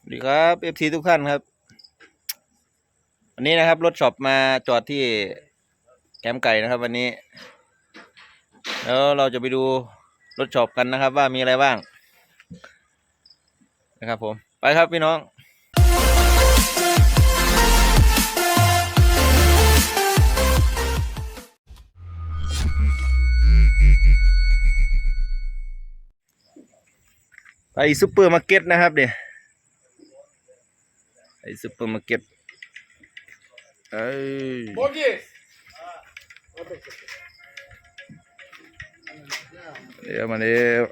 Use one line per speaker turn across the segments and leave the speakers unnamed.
สวัสดีครับเอฟซีทุกท่านครับวันนี้นะครับรถช็อปมาจอดที่แคมป์ไก่นะครับวันนี้แล้วเราจะไปดูรถช็อปกันนะครับว่ามีอะไรบ้างนะครับผมไปครับพี่น้องไปซุปเปอร์มาร์เก็ตนะครับเนี่ยไปซุปเปอร์มาร์เก็ตเดี๋ยวมาเดี๋ยว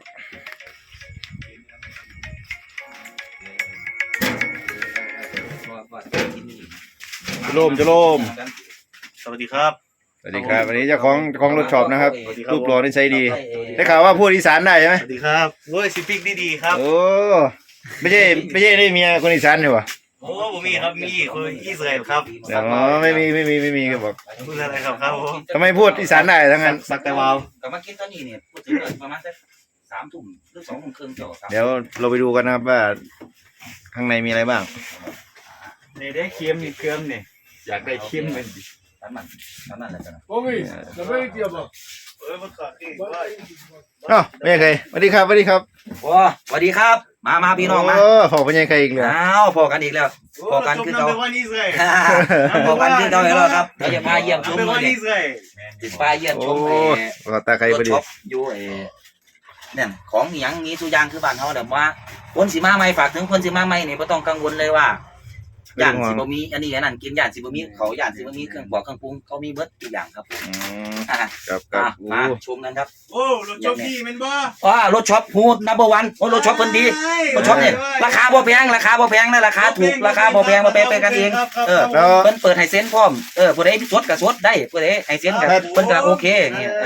จะโลม
สวัสดีครับ
สวัสดีครับวันนี้เจ้าของรถช็อปนะครับรูปหล่อนิสัยดีได้ข่าวว่าพูดอีสานได้ใช่ไหม
สวัสดีครับโอ้ยสิปิกดีๆครับ
โอ้ไม่ใช่ได้เมียคนอีสานอยู่วะ
โอ้ผมมีครับมีคนอิสราเอลครับ
เดี๋ยวไม่มีก็บอก
พูดอะไรครับผม
ทำไมพูดอีสานได้ทั้งนั้น
สักแต่วาว
กลับมากินตอนนี้เนี่ยพูดถึงประมาณสัก3 ทุ่มหรือ2 โมงครึ่งเจ้า
เดี๋ยวเราไปดูกันนะครับว่าข้างในมีอะไรบ้าง
นี่ได้เค็มนี่เค็มนี่อยากได้เค็มมันดิ
นั่นแหละจ้ะ
โอ้ยจะไม่เกี่ยวกับ
มันขาดที่
อ๋อไม่ใช่ใครสวัสดีครับ
โอ้สวัสดีครับมาพี่น้องมา
ขอไม่ใช่ใครอีกเลย
อ้าวพอกันอีกแล้วพอกันคือเราพอกันคือเราแล้วครับเราจะพาเยี่ยมชมเลยพาเยี่ยมชม
ตาใครพอดี
อยู่เนี่ยของอย่างนี้ทุกอย่างคือบ้านเขาแบบว่าคนสีมาใหม่ฝากถึงคนสีมาใหม่เนี่ยไม่ต้องกังวลเลยว่าย่านสิบมีอันนี้อันนั้นกินย่านสิบมีเขาย่านสิบมีเครื่องบอกเครื่องปรุงเขามีเบิร์ดทุกอย่างครับ
ครับ
มาชมกันครับ
โอ้รถช็อปดีมันบ้
ารถช็อปฮูดนับเบอร์วันโอ้รถช็อปเพิ่นดีรถช็อปเนี่ยราคาบ่แพงนะราคาถูกราคาบ่แพงมาไปกันเองเพิ่นเปิดให้เซ็นพร้อมผู้ใดสดก็สดได้ผู้ใดให้เซ็นก็เพิ่นก็โอเคอย่างเงี้ย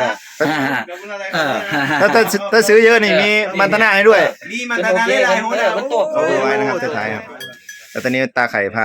ถ้าซื้อเยอะนี่มีมันตนาให้ด้วย
มีมันตนาได้หลายคน
เพิ่นโต
ไว้นะครับจะถ่ายครับแล้วตอนนี้ตาไข่พา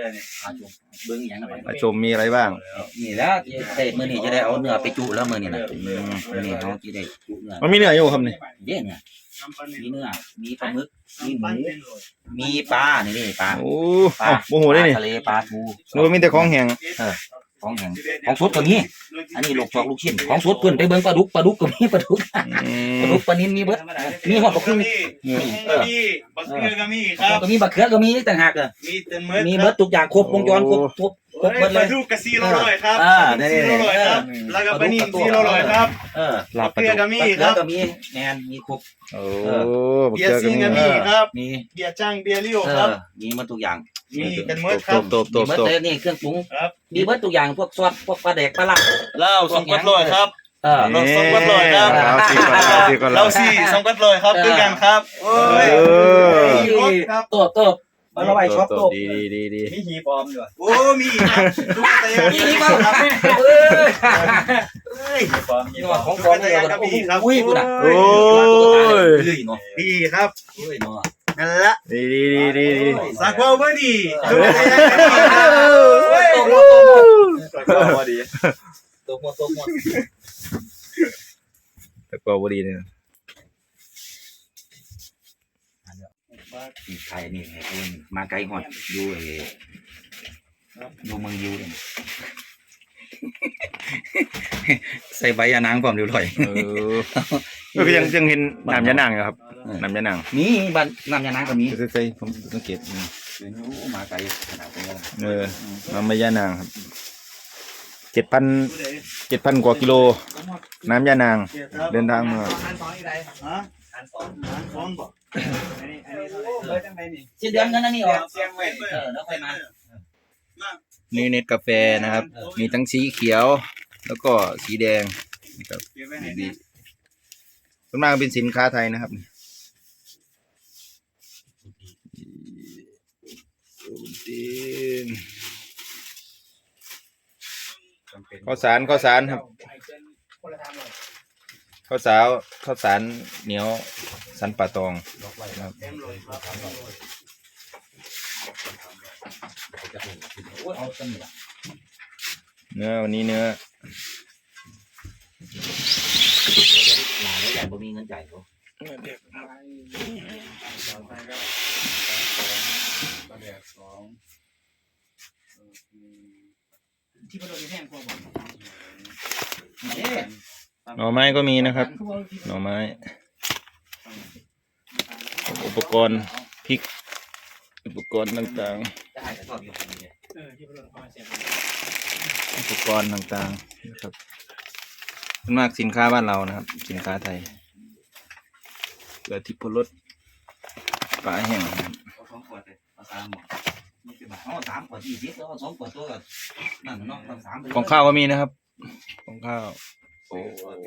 มาชมมีอะไรบ้าง
นี่แล้วมื้อนี้จะได้เอาเนื้อไปจุแล้วมื้อนี้นะมื้อนี้เฮาสิได้จุเนื้อ
มันมีเนื้ออยู่ครับนี่
เด้เนี่ยมีเนื้อมีปลาหมึกมีหมูมีปลานี่ปลา
โอ้โหได้นี่
ทะเลปลาทู
นึกว่ามีแต่ของแห้ง
ของแห้งของสดก็มีอันนี้ลูกจอกลูกชิ้นของสดเพิ่นไปเบิ่งปลาดุกก็มีปลาดุกปลานิลมีเบิดมีฮอดบักคือ
มีบักเขือก็มีครับ
ก็มีบักเขือก็มีต่างหากมีเบิดทุกอย่างครบวงจรครบ
เบิดเลยปลาดุกกะ400ครับ400ครับแล้วก็ปลานิล400ครับบักเขือก็มีครับ
ก็มีแม่นมีครบ
เบียร์ซิงก็มีครับมีเบียร์จังเบียร์เลี้ยวครับ
มีหมดทุกอย่าง
มีกันหมดครับ
ตบ
นี่เครื่องปรุงมีเบิดทุกอย่างพวกซอสพวกปลาแดกปลาลัก
เหล้า200ครับเรา200ครับเรา4 200ครับด้วยกันครับโอ้ย
ตัวมาระบายช็อปตัว
ดี
มีหีบอมด้วยโอ้มีครับทุกเตย
มีบ้างครับ
หีบอม
ของปลอมเลยครับอุ้ยกูน่ะ
โอ้ย
ดีครับ
อุ้ยเนาะ
นั่นละ
ดี
สักว่าบ่ดี
ตัวหมดดีตัวหมด
แต่ก็บ่ดีเนี่ย
ไทยนี่มาไกลหอดดูเมืองยูเลยใส่ใบยานางพร้อมเรียบร้อย
ก็ยังเห็นน้ำยานางอยู่ครับน้ำยานาง
มีบ้านน้ำยานางก็มี
ใส่ผมสังเกต
มาไกลขนาดนี้
น้ำยานางครับ7,000 กว่ากิโลน้ำยานางเดินทางมา
สิ้นเดือนนั้นนี่ออกแล้วค่อยมา
นี่เน็ตกาแฟนะครับมีทั้งสีเขียวแล้วก็สีแดงนะครับดีส่วนมากเป็นสินค้าไทยนะครับข้าวสารครับข้าวสารเหนียวสันป่าตองครับเนื้อวันนี้เนื้อ
ใหญ่บ่มีเงินจ่ายเขา
ที่ประโดดแห้งกว่าบ่
หน่อไม้ก็มีนะครับ หน่อไม้ อุปกรณ์พริก อุปกรณ์ต่าง
ที่ประโดดพอเสร็จ
ๆ อุปกรณ์ต่างๆนะครับส่วนมากสินค้าบ้านเรานะครับ สินค้าไทยเกลือทิพรสปลาแห้งนะครับ
เอา2ขวดเลยเอา3หมด20 บาทเอา3ขวด20แล้วเอา2ขวดตัวก็นั่นเนาะเอา3ไป
ของข้าวก็มีนะครับ ของข้าว
โอ้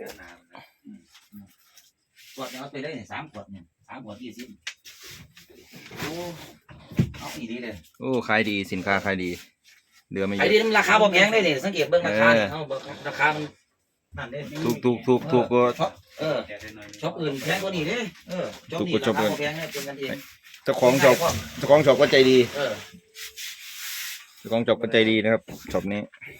ขวดเอาไปได้เนี่ย3ขวดเนี่ย3ขวด20โอ้เอาอีดีเลย
โอ้ขายดีสินค้าขายดีเหลือไม่เย
ไอ้
อะ
นี่มันราคาบ่แพงได้เนี่ยสังเกตเบิ่งราคาเนี่ยเอาราคามันนั่นเด้
ถูกก็
เออช็อปอื่นแพงกว่านี้เด้ช็อปนี้ราคาบ่แพงเนี่ยเป็นกันเอง
เจ้าของช็อปก็ใจดี
เออ
เจ้าของช็อปก็ใจดีนะครับช็อปนี้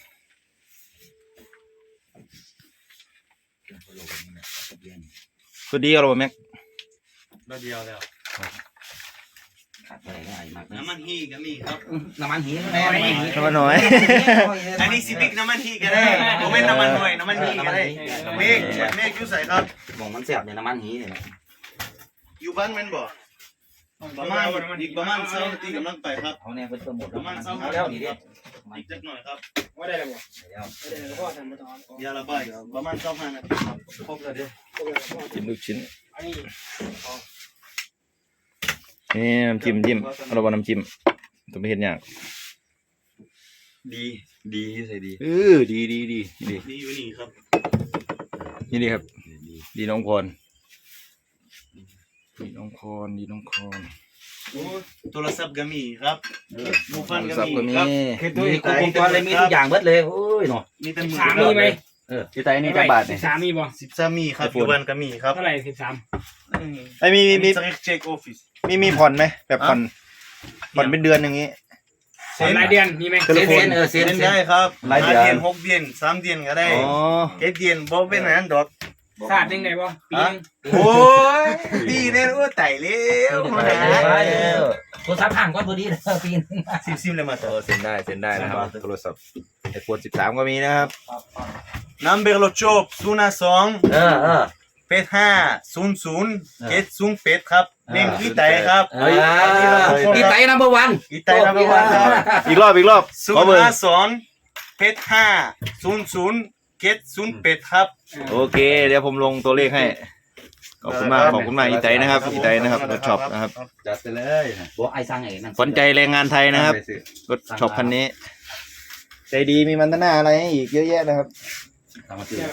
คือดีเอาหรอแม็ก
เดียวแล้ว
ขาดไปได้มาก
น้ำมันฮีก็มีครับ
น้ำมันหีแน่
น้ำมันน้อย
อันนี้สิบิกน้ำมันฮีก็ได้ผมเป็นน้ำมันหน่วยน้ำมันฮีก็ได้เมฆอยู่ใส่ครับ
มองมันแซ่บเนี่ยน้ำมันหีเนี่ย
อยู่บ้านแม่นบ่ประมาณอีกประมาณ2นาทีกำลังไปครับ
เอาเนี่ยเพิ่นโปรโมท
ประมาณ2
เอา
นา
แล้ว
ที
นี่
ค
เด้
รับอีกจักหน่อยครับ
ว่าได้แล้วบ่ได้แล้วพ่อทำมาตอน
ยาระบายประมาณ25นาทีครับครบแล้วเด้อ
จิ้มลูกชิ้น
อันนี้
นี่น้ำจิ้มเราบอกน้ำจิ้มต้องไปเห็นอย่าง
ดีใส่ดี
ดี
ดีอยู่นี่ครับ
นี่ดีครับ ดีน้องพร
โทรศัพท์ก็มีครับมูฟันก็
สับ
มี
ก็มี
ครับ
มีครบวงจรเลยมีทุกอย่างเบิดเลยโอ้ยเนาะ
มีแต่มือ
13มีไหม
ที่ไตนี่จะบาทเนี่ย
13มีบ่
13มีครับอยู่บ้านก็มีครับ
เท่าไหร่13
ไอ้มี
เช็คออฟฟิศ
มีผ่อนไหมแบบผ่อนเป็นเดือนอย่างนี้
รายเดือนมีไหม
เซ็นเซ็น
เล่นได้ครับ
รายเดือน
5 เดือน6 เดือน3 เดือนก็ได้
อ๋อ
7 เดือนบ่เป็นอันนั้นดอก
ศาสตร์ยังไงบ่ปีนึง
โอ้ยปีนี้โอ้ไต่เร็วมาหา
โทรศัพท์ห่างก้อนพอดีเลยปีนึง
ซิมเลยมาต่อ
เซ็นได้นะครับโทรศัพท์ไอโฟน13ก็มีนะครับ
นัมเบอร์โลโชบ02 8500 708ครับเล่นอีไตครับ
อีไตนัมเบอร์วัน
อีไตนัมเบอร์1ครับ
อีกรอบขอเบอร์
052 8500 708ครับ
โอเค เดี๋ยวผมลงตัวเลขให้ขอบคุณมากอีไตนะครับรถช็อปนะครับ
จัดไปเลย
บอกไอ้สั่งไอ้นั่น
ขวัญใจแรงงานไทยนะครับรถช็อปคันนี้ ใจดีมีมันตนาอะไรให้อีกเยอะแยะนะครับ
ทำมาตื่น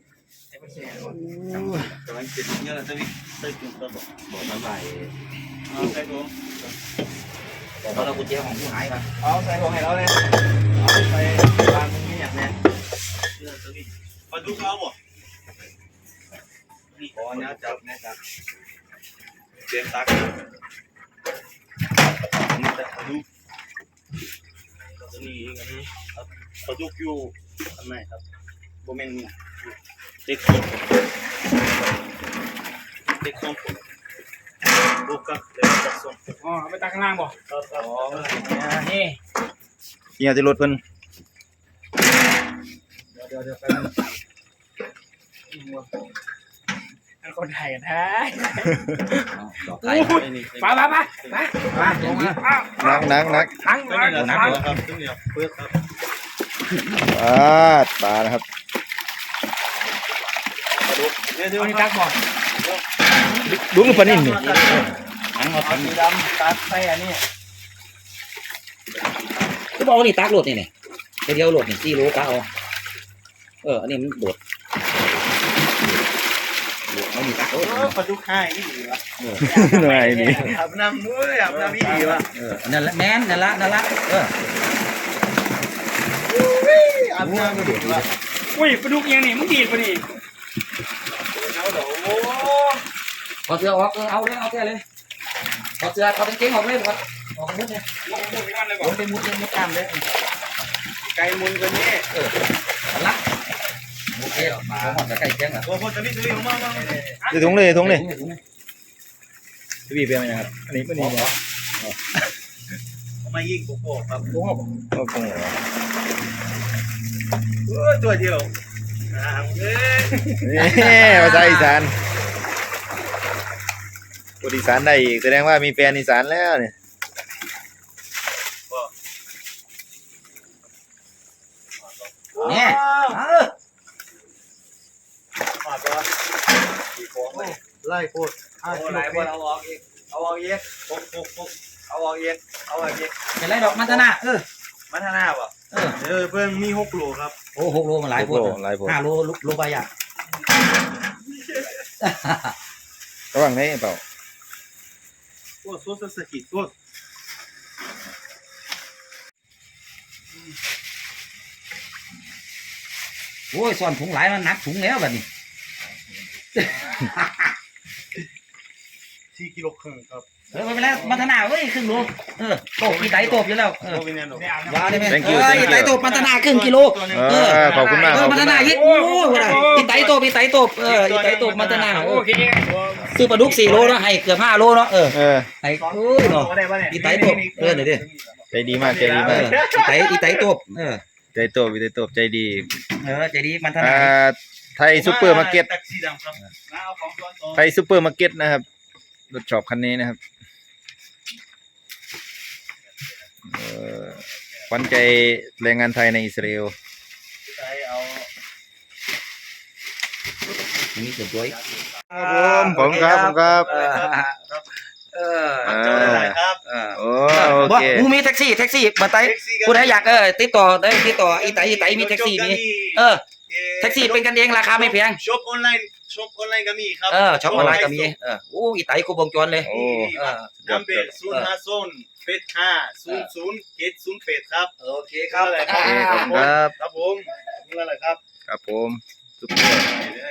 กำลังกินเยอะเลยจะมีใส่ถุงครับ
บอกน้ำลาย
เอาใส่ถุง
บอกเรากุญแจของผู้หายมา
เอาใส่ถุงให้เราเลยเอาใส่ร้านนี้อย่างนี้ปลาดุกเอาบ่นี่ขอเนี่ยจับเตรียมตักนี่แต่ปลาดุกนี่อันนี้ปลาดุกอยู่อันไหนครับโบเมนเด็กส้มบุกกับเด็กส้ม
อ๋อไปตักข้างล่างบ่
ครับ
นี่
เฮียจะรถเพิ่น
เดี๋ยวไป
เป็นคนไทยกันแท้
ดอกไก่
ไปลงมา
นัก
ทั้ง
ตัวนี้แหละครับตัวนี้เพื่อครับ
ปลานะครับ
เดี๋ยว
อันนี้ตักบ่
ดูกับปลานิ่มนี่
อันมา
สีดำตัดใส่อันนี้
ก็บอกว่านี่ตักโหลดนี่เดียวโหลดนี่4 โลก็เอาอันนี้มันโดดไม่มีตัก
ปลาดุกให้นี่ดีวะ
หน่อยนี่
อาบน้ำด้วยอาบน้ำนี่ดีวะ
นั่นละแม่นนั่นละ
อาบน้ำดีวะ
อุ้ยปลาดุกยังนี่มึงดีดป่ะนี่
เอาเดี๋ยวโอ้
พอเสื้อออกเอาเลยเอาเลยพอเสื้อเขาเป็นเก่งออกเลยออกมุดเลย
มึงพูดไปกันเลยบ่
ผมเป็นมุดตามเลย
ไก่มุนกันนี่
ละโอเคมาจะใกล้เคียงอ่ะ
โอ้โหจะนี่ซื้อมา
จะถุงเลยจะบีบไปไหมครับอันนี้ไม่ดีนะ
มายิงโกโก้ครับ
ก็คงเหรอ
ตัวเดียว
นี่ภาษาอีสานพูดอีสานได้อีกแสดงว่ามีแฟนอีสานแล้วเนี่ย
เนี่ยเออ
ไล่โคตร
ไหนบอลเอาออกอีกเอาออกอีก
ปุ๊บ
เอาออกอีกเอาออกอีก
เป็นไรดอกมันธนา
มัทนาบ่
เพิ่งมี6 โลครับ
โอ้6 โลมันหลายโพด
หลายโพด
5 โลโลไปอ่ะ
ระหว่างนี้เปล่า
โอ้โซสกิโซ
โอ้ยซ่อนถุงหลายมันหนักถุงแล้วบัดนี้
4 กิโลครึ่งครับ
ไม่เป็นไรมันธนาเฮ้ยครึ่งโลโตอีไตโตบอยู่แล้ว
โอเคเนี่ย
ว้าวได้ไหมอีไตโตบมันธนาครึ่งกิโล
ขอบคุณมาก
มันธนาอีกโอ้ยอีไตโตบอีไตโตบอีไตโตบมันธนา
โอเค
ซื้อปลาดุก4 โลเนาะให้เกือบ5 โลเนาะให้โอ้ยเนาะ
ได้ป่ะเนี่ย
อีไตโตบเดี๋ยวดิ
ใจดีมากใจดีมาก
อีไตโตบ
ใจโตบใจโตบใจดี
ใจดีมันธนา
ไทยซูเปอร์มาร์เก็ต
แท็กซี่ดำครับเอาของก่อนต่อ
ไทยซูเปอร์มาร์เก็ตนะครับรถช็อปคันนี้นะครับขวัญใจแรงงานไทยในอิสราเอล
นี่เกือบด้วย
ครับผมครับผมครับ
เจ้าได้ครับ
โอ้
โอ
โอ
เค
เค
มูมีแท็กซี่มาไตผู้ใดอยากติดต่อได้ติดต่ออีไตมีแท็กซี่มีแท็กซี่เป็นกันเองราคาไม่แพง
ช็อปออนไลน์ก็มีครับ
ช็อปออนไลน์ก็มีโอ้อีไตครบวงจรเลย
โอ้
นัมเบอร์050850708ครับ
โอเคครับ
ครับ
ครับ
ครับผมนี่แหละครับ
ครับผมซุปเปอร์